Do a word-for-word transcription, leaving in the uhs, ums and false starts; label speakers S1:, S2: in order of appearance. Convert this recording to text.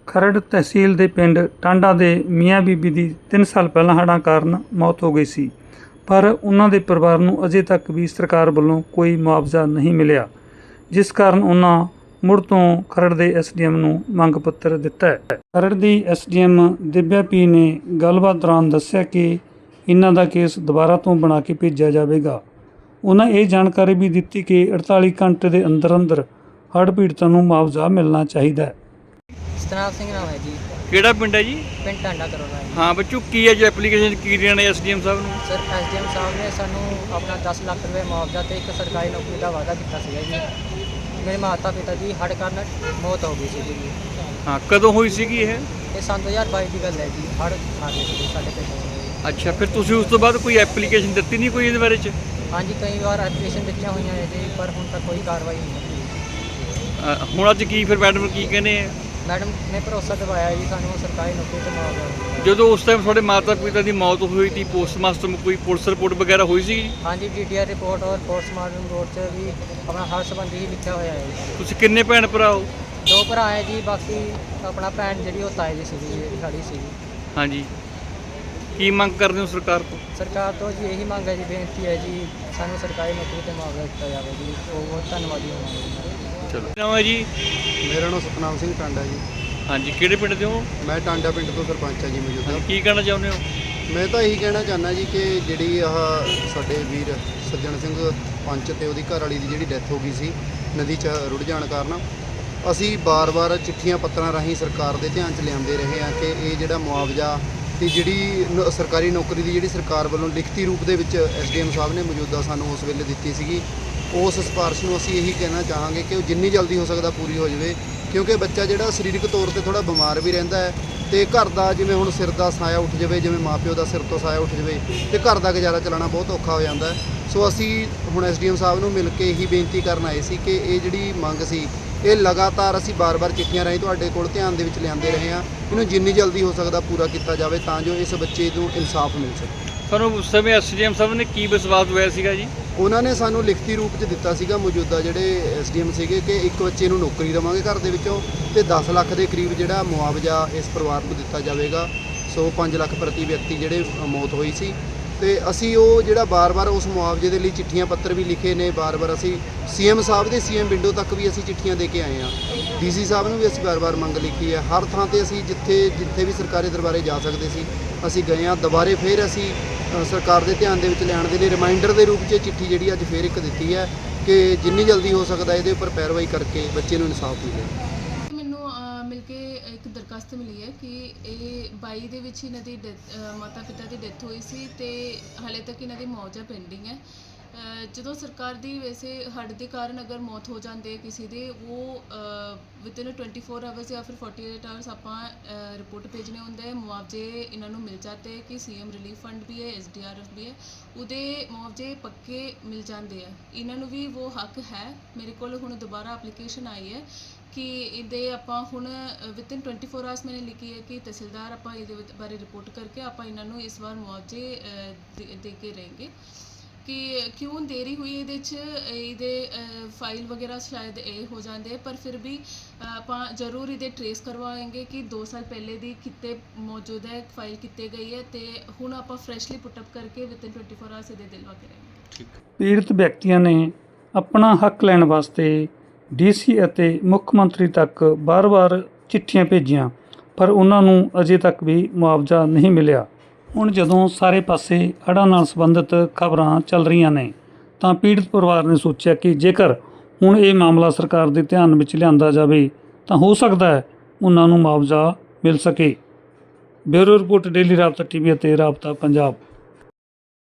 S1: ਖਰੜ ਤਹਿਸੀਲ ਦੇ ਪਿੰਡ ਟਾਂਡਾ ਦੇ ਮੀਆਂ ਬੀਬੀ ਦੀ ਤਿੰਨ ਸਾਲ ਪਹਿਲਾਂ ਹੜ੍ਹਾਂ ਕਾਰਨ ਮੌਤ ਹੋ ਗਈ ਸੀ, ਪਰ ਉਹਨਾਂ ਦੇ ਪਰਿਵਾਰ ਨੂੰ ਅਜੇ ਤੱਕ ਵੀ ਸਰਕਾਰ ਵੱਲੋਂ ਕੋਈ ਮੁਆਵਜ਼ਾ ਨਹੀਂ ਮਿਲਿਆ, ਜਿਸ ਕਾਰਨ ਉਹਨਾਂ ਮੁੜ ਤੋਂ ਖਰੜ ਦੇ ਐਸ ਡੀ ਐਮ ਨੂੰ ਮੰਗ ਪੱਤਰ ਦਿੱਤਾ ਹੈ। ਖਰੜ ਦੀ S D M Divya P ਨੇ ਗੱਲਬਾਤ ਦੌਰਾਨ ਦੱਸਿਆ ਕਿ ਇਹਨਾਂ ਦਾ ਕੇਸ ਦੁਬਾਰਾ ਤੋਂ ਬਣਾ ਕੇ ਭੇਜਿਆ ਜਾਵੇਗਾ। ਉਹਨਾਂ ਇਹ ਜਾਣਕਾਰੀ ਵੀ ਦਿੱਤੀ ਕਿ ਅੜਤਾਲੀ ਘੰਟੇ ਦੇ ਅੰਦਰ ਅੰਦਰ ਹੜ੍ਹ ਪੀੜਤਾਂ ਨੂੰ ਮੁਆਵਜ਼ਾ ਮਿਲਣਾ ਚਾਹੀਦਾ ਹੈ।
S2: ਸਤਨਾਮ ਸਿੰਘ ਨਾਮ ਹੈ ਜੀ।
S3: ਕਿਹੜਾ ਪਿੰਡ ਹੈ ਜੀ?
S2: ਪਿੰਡ ਟਾਂਡਾ ਕਰੋਨਾ ਹੈ।
S3: ਹਾਂ ਬੱਚੂ, ਕੀ ਹੈ ਜੋ ਐਪਲੀਕੇਸ਼ਨ ਕੀ ਦੇਣਾ ਨੇ ਐਸ ਡੀ ਐਮ ਸਾਹਿਬ ਨੂੰ?
S2: ਸਰ ਐਸ ਡੀ ਐਮ ਸਾਹਿਬ ਨੇ ਸਾਨੂੰ ਆਪਣਾ ਦਸ ਲੱਖ ਰੁਪਏ ਮੁਆਵਜ਼ਾ ਤੇ ਇੱਕ ਸਰਕਾਰੀ ਨੌਕਰੀ ਦਾ ਵਾਅਦਾ ਕੀਤਾ ਸੀਗਾ ਜੀ। ਮੇਰੇ ਮਾਤਾ ਪਿਤਾ ਦੀ ਹੜ੍ਹ ਕਾਰਨ ਮੌਤ ਹੋ ਗਈ ਸੀ ਜੀ।
S3: ਹਾਂ, ਕਦੋਂ ਹੋਈ ਸੀਗੀ ਇਹ?
S2: ਇਹ ਸੰਨ ਦੋ ਹਜ਼ਾਰ ਬਾਈ ਦੀ ਗੱਲ ਹੈ ਜੀ। ਹੜ੍ਹ ਆ ਗਏ ਸੀ ਸਾਡੇ ਪਿੰਡ।
S3: ਅੱਛਾ, ਫਿਰ ਤੁਸੀਂ ਉਸ ਤੋਂ ਬਾਅਦ ਕੋਈ ਐਪਲੀਕੇਸ਼ਨ ਦਿੱਤੀ ਨਹੀਂ ਕੋਈ ਇਹਦੇ ਬਾਰੇ 'ਚ?
S2: ਹਾਂਜੀ, ਕਈ ਵਾਰ ਐਪਲੀਕੇਸ਼ਨ ਦਿੱਤੀਆਂ ਹੋਈਆਂ ਹੈ ਜੀ, ਪਰ ਹੁਣ ਤੱਕ ਕੋਈ ਕਾਰਵਾਈ ਨਹੀਂ ਹੋਈ।
S3: ਹੁਣ ਅੱਜ ਕੀ ਫਿਰ ਮੈਡਮ ਕੀ ਕਹਿੰਦੇ ਆ?
S2: ਮੈਡਮ ਨੇ ਭਰੋਸਾ ਦਿਵਾਇਆ ਜੀ ਸਾਨੂੰ ਸਰਕਾਰੀ ਨੌਕਰੀ ਤੇ ਮੁਆਵਜ਼ਾ।
S3: ਜਦੋਂ ਉਸ ਟਾਈਮ ਤੁਹਾਡੇ ਮਾਤਾ ਪਿਤਾ ਦੀ ਮੌਤ ਹੋਈ ਸੀ, ਪੋਸਟਮਾਸਟਰ ਕੋਈ ਪੁਲਿਸ ਰਿਪੋਰਟ ਵਗੈਰਾ ਹੋਈ ਸੀ?
S2: ਹਾਂਜੀ, ਡੀ ਟੀ ਆਰ ਰਿਪੋਰਟ ਔਰ ਪੋਸਟਮਾਰਟਮ ਰਿਪੋਰਟ 'ਚ ਵੀ ਆਪਣਾ ਹੜ੍ਹ ਸੰਬੰਧੀ ਹੀ ਲਿਖਿਆ ਹੋਇਆ ਹੈ ਜੀ।
S3: ਤੁਸੀਂ ਕਿੰਨੇ ਭੈਣ ਭਰਾ ਹੋ?
S2: ਦੋ ਭਰਾ ਹੈ ਜੀ, ਬਾਕੀ ਆਪਣਾ ਭੈਣ ਜਿਹੜੀ ਉਹ ਤਾਏ ਦੀ ਸੀਗੀ, ਜਿਹੜੀ ਖੜੀ ਸੀਗੀ। ਹਾਂਜੀ,
S3: ਕੀ ਮੰਗ ਕਰਦੇ ਹੋ ਸਰਕਾਰ ਤੋਂ?
S2: ਸਰਕਾਰ ਤੋਂ ਜੀ ਇਹੀ ਮੰਗ ਹੈ ਜੀ, ਬੇਨਤੀ ਹੈ ਜੀ, ਸਾਨੂੰ ਸਰਕਾਰੀ ਨੌਕਰੀ ਤੇ ਮੁਆਵਜ਼ਾ ਦਿੱਤਾ ਜਾਵੇ ਜੀ। ਉਹ ਬਹੁਤ ਧੰਨਵਾਦੀ ਹੋਵਾਂਗੇ।
S3: ਚਲੋ, ਨਾਮ ਹੈ ਜੀ?
S4: ਮੇਰਾ ਨਾਮ ਸਤਨਾਮ ਸਿੰਘ ਟਾਂਡਾ ਜੀ।
S3: ਹਾਂਜੀ, ਕਿਹੜੇ ਪਿੰਡ ਦੇ ਹੋ?
S4: ਮੈਂ ਟਾਂਡਾ ਪਿੰਡ ਤੋਂ ਸਰਪੰਚ ਹਾਂ ਜੀ ਮੌਜੂਦਾ।
S3: ਕੀ ਕਹਿਣਾ ਚਾਹੁੰਦੇ ਹੋ?
S4: ਮੈਂ ਤਾਂ ਇਹੀ ਕਹਿਣਾ ਚਾਹੁੰਦਾ ਜੀ ਕਿ ਜਿਹੜੀ ਆਹ ਸਾਡੇ ਵੀਰ ਸੱਜਣ ਸਿੰਘ ਪੰਚ ਤੇ ਉਹਦੀ ਘਰ ਵਾਲੀ ਦੀ ਜਿਹੜੀ ਡੈਥ ਹੋ ਗਈ ਸੀ ਨਦੀ 'ਚ ਰੁੜ ਜਾਣ ਕਾਰਨ, ਅਸੀਂ ਬਾਰ-ਬਾਰ ਚਿੱਠੀਆਂ ਪੱਤਰਾਂ ਰਾਹੀਂ ਸਰਕਾਰ ਦੇ ਧਿਆਨ 'ਚ ਲਿਆਉਂਦੇ ਰਹੇ ਹਾਂ ਕਿ ਇਹ ਜਿਹੜਾ ਮੁਆਵਜ਼ਾ ਤੇ ਜਿਹੜੀ ਨ- ਸਰਕਾਰੀ ਨੌਕਰੀ ਦੀ ਜਿਹੜੀ ਸਰਕਾਰ ਵੱਲੋਂ ਲਿਖਤੀ ਰੂਪ ਦੇ ਵਿੱਚ ਐਸ ਡੀ ਐਮ ਸਾਹਿਬ ਨੇ ਮੌਜੂਦਾ ਸਾਨੂੰ ਉਸ ਵੇਲੇ ਦਿੱਤੀ ਸੀਗੀ, ਉਸ ਸਿਫਾਰਿਸ਼ ਨੂੰ ਅਸੀਂ ਇਹੀ ਕਹਿਣਾ ਚਾਹਾਂਗੇ ਕਿ ਉਹ ਜਿੰਨੀ ਜਲਦੀ ਹੋ ਸਕਦਾ ਪੂਰੀ ਹੋ ਜਾਵੇ, ਕਿਉਂਕਿ ਬੱਚਾ ਜਿਹੜਾ ਸਰੀਰਕ ਤੌਰ ਤੇ ਥੋੜ੍ਹਾ ਬਿਮਾਰ ਵੀ ਰਹਿੰਦਾ ਹੈ ਤੇ ਘਰ ਦਾ ਜਿਵੇਂ ਹੁਣ ਸਿਰ ਦਾ ਸਾਇਆ ਉੱਠ ਜਾਵੇ, ਜਿਵੇਂ ਮਾਪਿਓ ਦਾ ਸਿਰ ਤੋਂ ਸਾਇਆ ਉੱਠ ਜਾਵੇ ਤੇ ਘਰ ਦਾ ਗੁਜ਼ਾਰਾ ਚਲਾਉਣਾ ਬਹੁਤ ਔਖਾ ਹੋ ਜਾਂਦਾ ਹੈ। ਸੋ ਅਸੀਂ ਹੁਣ ਐਸ ਡੀ ਐਮ ਸਾਹਿਬ ਨੂੰ ਮਿਲ ਕੇ ਇਹੀ ਬੇਨਤੀ ਕਰਨ ਆਏ ਸੀ ਕਿ ਇਹ ਜਿਹੜੀ ਮੰਗ ਸੀ ਇਹ ਲਗਾਤਾਰ ਅਸੀਂ ਬਾਰ-ਬਾਰ ਚਿੱਠੀਆਂ ਰਾਹੀਂ ਤੁਹਾਡੇ ਕੋਲ ਧਿਆਨ ਦੇ ਵਿੱਚ ਲਿਆਉਂਦੇ ਰਹੇ ਹਾਂ, ਇਹਨੂੰ ਜਿੰਨੀ ਜਲਦੀ ਹੋ ਸਕਦਾ ਪੂਰਾ ਕੀਤਾ ਜਾਵੇ ਤਾਂ ਜੋ ਇਸ ਬੱਚੇ ਨੂੰ ਇਨਸਾਫ ਮਿਲ ਸਕੇ।
S3: ਤੁਹਾਨੂੰ ਉਸ ਸਮੇਂ ਐਸ ਡੀ ਐਮ ਸਾਹਿਬ ਨੇ ਕੀ ਵਿਸ਼ਵਾਸ ਦਵਾਇਆ ਸੀਗਾ ਜੀ?
S4: ਉਹਨਾਂ ਨੇ ਸਾਨੂੰ ਲਿਖਤੀ ਰੂਪ 'ਚ ਦਿੱਤਾ ਸੀਗਾ ਮੌਜੂਦਾ ਜਿਹੜੇ ਐਸ ਡੀ ਐਮ ਸੀਗੇ ਕਿ ਇੱਕ ਬੱਚੇ ਨੂੰ ਨੌਕਰੀ ਦੇਵਾਂਗੇ ਘਰ ਦੇ ਵਿੱਚੋਂ ਤੇ ਦਸ ਲੱਖ ਦੇ ਕਰੀਬ ਜਿਹੜਾ ਮੁਆਵਜ਼ਾ ਇਸ ਪਰਿਵਾਰ ਨੂੰ ਦਿੱਤਾ ਜਾਵੇਗਾ। ਸੋ ਪੰਜ ਲੱਖ ਪ੍ਰਤੀ ਵਿਅਕਤੀ ਜਿਹੜੇ ਮੌਤ ਹੋਈ ਸੀ ਤੇ ਅਸੀਂ ਉਹ ਜਿਹੜਾ ਬਾਰ-ਬਾਰ ਉਸ ਮੁਆਵਜ਼ੇ ਦੇ ਲਈ ਚਿੱਠੀਆਂ ਪੱਤਰ ਵੀ ਲਿਖੇ ਨੇ, ਬਾਰ-ਬਾਰ ਅਸੀਂ ਸੀ ਐਮ ਸਾਹਿਬ ਦੇ ਸੀ ਐਮ ਵਿੰਡੋ ਤੱਕ ਵੀ ਅਸੀਂ ਚਿੱਠੀਆਂ ਦੇ ਕੇ ਆਏ ਹਾਂ, ਡੀ ਸੀ ਸਾਹਿਬ ਨੂੰ ਵੀ ਅਸੀਂ ਬਾਰ-ਬਾਰ ਮੰਗ ਲਿਖੀ ਹੈ। ਹਰ ਥਾਂ ਤੇ ਅਸੀਂ ਜਿੱਥੇ ਜਿੱਥੇ ਵੀ ਸਰਕਾਰੀ ਦਰਬਾਰੇ ਜਾ ਸਕਦੇ ਸੀ ਅਸੀਂ ਗਏ ਹਾਂ। ਦੁਬਾਰੇ ਫਿਰ ਅਸੀਂ ਸਰਕਾਰ ਦੇ ਧਿਆਨ ਦੇ ਵਿੱਚ ਲਿਆਉਣ ਦੇ ਲਈ ਰਿਮਾਈਂਡਰ ਦੇ ਰੂਪ 'ਚ ਚਿੱਠੀ ਜਿਹੜੀ ਅੱਜ ਫਿਰ ਇੱਕ ਦਿੱਤੀ ਹੈ ਕਿ ਜਿੰਨੀ ਜਲਦੀ ਹੋ ਸਕਦਾ ਇਹਦੇ ਉੱਪਰ ਪੈਰਵਾਈ ਕਰਕੇ ਬੱਚੇ ਨੂੰ ਇਨਸਾਫ ਮਿਲੇ।
S5: ਮੈਨੂੰ ਅ, ਮਿਲ ਕੇ ਇੱਕ ਦਰਖਾਸਤ ਮਿਲੀ ਹੈ ਕਿ ਇਹ ਬਾਈ ਦੇ ਵਿੱਚ ਇਹਨਾਂ ਦੀ ਡੈਥ ਮਾਤਾ ਪਿਤਾ ਦੀ ਡੈਥ ਹੋਈ ਸੀ ਤੇ ਹਾਲੇ ਤੱਕ ਇਹਨਾਂ ਦੀ ਮੁਆਵਜ਼ਾ ਪੈਂਡਿੰਗ ਹੈ। ਅ, ਜਦੋਂ ਸਰਕਾਰ ਦੀ ਵੈਸੇ ਹੜ੍ਹ ਦੇ ਕਾਰਨ ਅਗਰ ਮੌਤ ਹੋ ਜਾਂਦੇ ਕਿਸੇ ਦੇ, ਉਹ ਵਿਦਿਨ ਟਵੈਂਟੀ ਫੋਰ ਆਵਰਸ ਜਾਂ ਫਿਰ ਫੋਰਟੀ ਏਟ ਆਵਰਸ ਆਪਾਂ ਰਿਪੋਰਟ ਭੇਜਣੇ ਹੁੰਦਾ ਹੈ। ਮੁਆਵਜ਼ੇ ਇਹਨਾਂ ਨੂੰ ਮਿਲ ਜਾਂਦੇ ਕਿ ਸੀ ਐਮ ਰਿਲੀਫ ਫੰਡ ਵੀ ਹੈ, ਐਸ ਡੀ ਆਰ ਐਫ ਵੀ ਹੈ, ਉਹਦੇ ਮੁਆਵਜ਼ੇ ਪੱਕੇ ਮਿਲ ਜਾਂਦੇ ਆ। ਇਹਨਾਂ ਨੂੰ ਵੀ ਉਹ ਹੱਕ ਹੈ। ਮੇਰੇ ਕੋਲ ਹੁਣ ਦੁਬਾਰਾ ਐਪਲੀਕੇਸ਼ਨ ਆਈ ਹੈ ਕਿ ਇਹਦੇ ਆਪਾਂ ਹੁਣ ਵਿਦਿਨ ਟਵੈਂਟੀ ਫੋਰ ਆਵਰਸ ਮੈਨੇ ਲਿਖੀ ਹੈ ਕਿ ਤਹਿਸੀਲਦਾਰ ਆਪਾਂ ਇਹਦੇ ਬਾਰੇ ਰਿਪੋਰਟ ਕਰਕੇ ਆਪਾਂ ਇਹਨਾਂ ਨੂੰ ਇਸ ਵਾਰ ਮੁਆਵਜ਼ੇ ਦੇ, ਦੇ ਕੇ रहेंगे ਕਿ ਕਿਉਂ ਦੇਰੀ ਹੋਈ ਇਹਦੇ 'ਚ। ਇਹਦੇ ਫਾਈਲ ਵਗੈਰਾ ਸ਼ਾਇਦ ਇਹ ਹੋ ਜਾਂਦੇ, ਪਰ ਫਿਰ ਵੀ ਆਪਾਂ ਜ਼ਰੂਰ ਇਹਦੇ ਟਰੇਸ ਕਰਵਾਵਾਂਗੇ ਕਿ ਦੋ ਸਾਲ ਪਹਿਲੇ ਦੀ ਕਿਤੇ ਮੌਜੂਦ ਹੈ, ਫਾਈਲ ਕਿਤੇ ਗਈ ਹੈ ਤੇ ਹੁਣ ਆਪਾਂ ਫਰੈਸ਼ਲੀ ਪੁੱਟ ਅਪ ਕਰਕੇ ਵਿਦਿਨ ਟਵੈਂਟੀ ਫੋਰ ਆਵਰਸ ਇਹਦੇ ਦਿਲਵਾ ਕੇ रहेंगे।
S3: ਠੀਕ।
S1: ਪੀੜਤ ਵਿਅਕਤੀਆਂ ਨੇ ਆਪਣਾ ਹੱਕ ਲੈਣ ਵਾਸਤੇ ਡੀ ਸੀ ਅਤੇ ਮੁੱਖ ਮੰਤਰੀ ਤੱਕ ਬਾਰ-ਬਾਰ ਚਿੱਠੀਆਂ ਭੇਜੀਆਂ, ਪਰ ਉਹਨਾਂ ਨੂੰ ਅਜੇ ਤੱਕ ਵੀ ਮੁਆਵਜ਼ਾ ਨਹੀਂ ਮਿਲਿਆ। ਹੁਣ ਜਦੋਂ ਸਾਰੇ ਪਾਸੇ ਹੜ੍ਹਾਂ ਨਾਲ ਸੰਬੰਧਿਤ ਖਬਰਾਂ ਚੱਲ ਰਹੀਆਂ ਨੇ ਤਾਂ ਪੀੜਤ ਪਰਿਵਾਰ ਨੇ ਸੋਚਿਆ ਕਿ ਜੇਕਰ ਹੁਣ ਇਹ ਮਾਮਲਾ ਸਰਕਾਰ ਦੇ ਧਿਆਨ ਵਿੱਚ ਲਿਆਂਦਾ ਜਾਵੇ ਤਾਂ ਹੋ ਸਕਦਾ ਹੈ ਉਹਨਾਂ ਨੂੰ ਮੁਆਵਜ਼ਾ ਮਿਲ ਸਕੇ। Bureau report, daily Rabta T V ਅਤੇ ਰਾਬਤਾ ਪੰਜਾਬ।